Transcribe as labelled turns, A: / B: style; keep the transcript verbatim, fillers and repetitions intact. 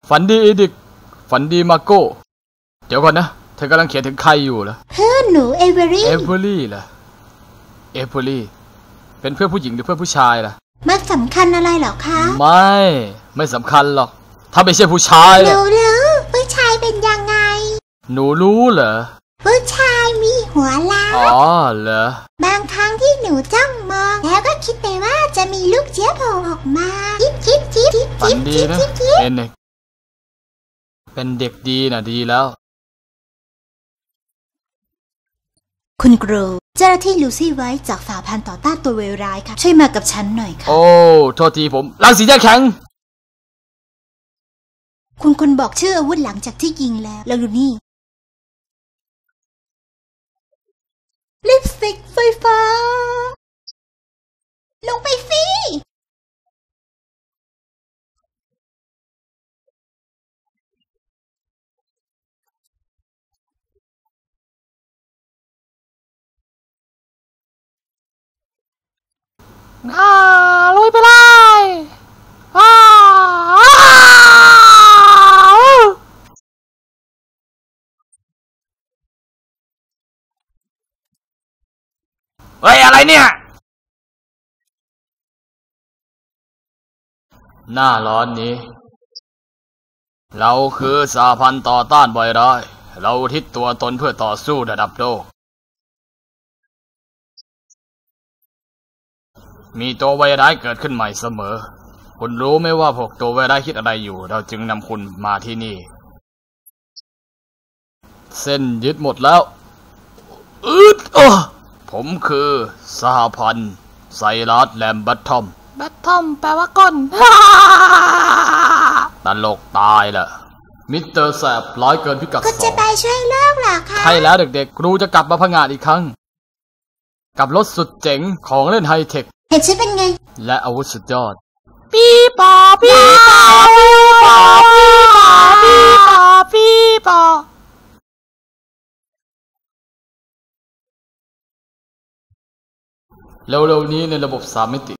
A: ฝันดีอีดิกฝันดีมาโก้เดี๋ยวก่อนนะเธอกำลังเขียนถึงใครอยู่เหรอ
B: เพื่อนหนูเอเวอรี่
A: เอเวอรี่เหรอเอเวอรี่เป็นเพื่อนผู้หญิงหรือเพื่อนผู้ชายล่ะ
B: มันสำคัญอะไรหรอคะ
A: ไม่ไม่สำคัญหรอกถ้าไม่ใช่ผู้ชาย
B: หนูรู้ผู้ชายเป็นยังไง
A: หนูรู้เหรอ
B: ผู้ชายมีหัวล้าน
A: อ๋อเหร
B: อบางครั้งที่หนูจ้องมองแล้วก็คิดไปว่าจะมีลูกเจี๊ยบโผล่ออกมาคิดคิดคิดคิด
A: ฝันดีนะเป็นเด็กเป็นเด็กดีนะดีแล้ว
B: คุณครูเจ้าหน้าที่ลูซี่ไว้จากสหพันธ์ต่อต้านตัวเวรร้ายค่ะช่วยมากับฉันหน่อยค่ะ
A: โอ้โทษทีผมรังสีแยกแข็ง
B: คุณคุณบอกชื่ออาวุธหลังจากที่ยิงแล้วแล้วดูนี่ลิปสติกไฟฟ้าลงไปสิ
A: อ่าลุยไปเลยอ่าเฮ้ยอะไรเนี่ยหน้าร้อนนี้เราคือสหพันธ์ต่อต้านไวรัสเราทิศตัวตนเพื่อต่อสู้ระดับโลกมีตัวไวรัสเกิดขึ้นใหม่เสมอคุณรู้ไหมว่าพวกตัวไวรัสคิดอะไรอยู่เราจึงนำคุณมาที่นี่เส้นยึดหมดแล้วอึดอ่ะผมคือสหพันธ์ไซรัสแลมบัตทอมบัตทอมแปลว่าก้นตลกตายละมิสเตอร์แสบร้ายเกินพิกัดสอง
B: ก็จะไปช่วยโลกเหรอคะ
A: ใช่แล้วเด็กๆครูจะกลับมาพังงาดอีกครั้งกับรถสุดเจ๋งของเล่นไฮเทค
B: เห็นฉันเป็นไง
A: และอาวุธสุดยอดปีปอปีปอปีปอปีปอปีปอเร็วๆนี้ในระบบสามมิติ